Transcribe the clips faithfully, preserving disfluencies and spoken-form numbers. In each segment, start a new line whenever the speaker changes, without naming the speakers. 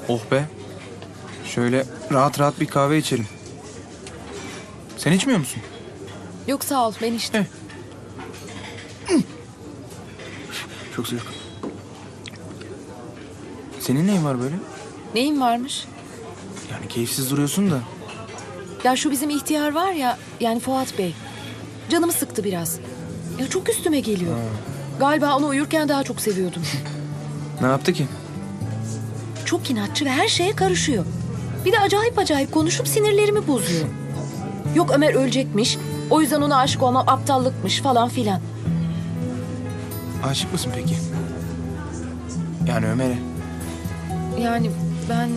Oh be. Şöyle rahat rahat bir kahve içelim. Sen içmiyor musun?
Yok sağ ol, ben içtim.
Çok sıcak. Senin neyin var böyle?
Neyin varmış?
Yani keyifsiz duruyorsun da.
Ya şu bizim ihtiyar var ya, yani Fuat Bey. Canımı sıktı biraz. Ya çok üstüme geliyor. Galiba onu uyurken daha çok seviyordum.
Ne yaptı ki?
Çok inatçı ve her şeye karışıyor. Bir de acayip acayip konuşup sinirlerimi bozuyor. Yok Ömer ölecekmiş, o yüzden ona aşık olmam aptallıkmış falan filan.
Aşık mısın peki? Yani Ömer'e.
Yani ben...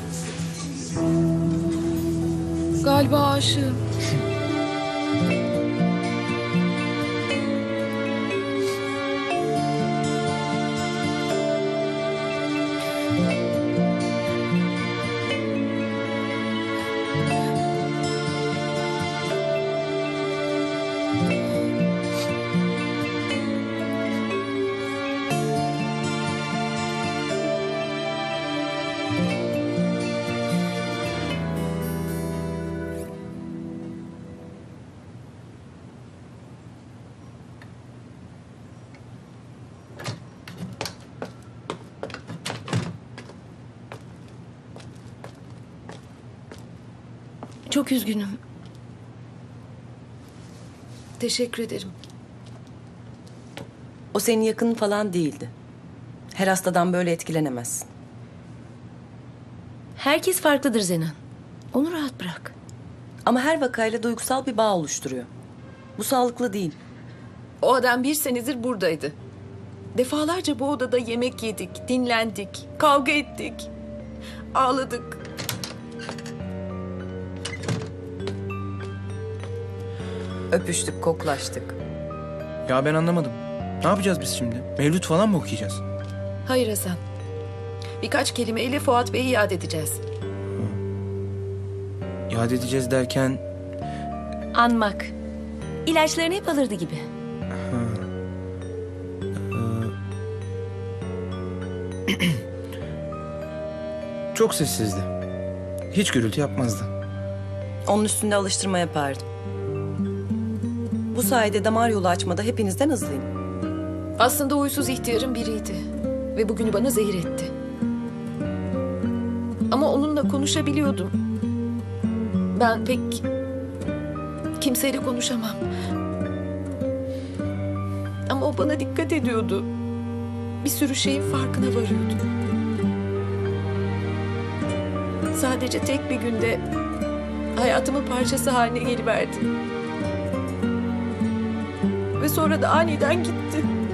Galiba aşığım. Çok üzgünüm. Teşekkür ederim.
O senin yakının falan değildi. Her hastadan böyle etkilenemezsin.
Herkes farklıdır Zenan. Onu rahat bırak.
Ama her vakayla duygusal bir bağ oluşturuyor. Bu sağlıklı değil.
O adam bir senedir buradaydı. Defalarca bu odada yemek yedik, dinlendik, kavga ettik, ağladık.
Öpüştük, koklaştık.
Ya ben anlamadım. Ne yapacağız biz şimdi? Mevlüt falan mı okuyacağız?
Hayır Hasan. Birkaç kelimeyle Fuat Bey'i yad edeceğiz.
Yad edeceğiz derken...
Anmak. İlaçlarını hep alırdı gibi.
Çok sessizdi. Hiç gürültü yapmazdı.
Onun üstünde alıştırma yapardım. Bu sayede damar yolu açmada hepinizden hızlıyım.
Aslında huysuz ihtiyarın biriydi. Ve bugünü bana zehir etti. Ama onunla konuşabiliyordum. Ben pek kimseyle konuşamam. Ama o bana dikkat ediyordu. Bir sürü şeyin farkına varıyordu. Sadece tek bir günde hayatımın parçası haline geliverdi. Ve sonra da aniden gitti.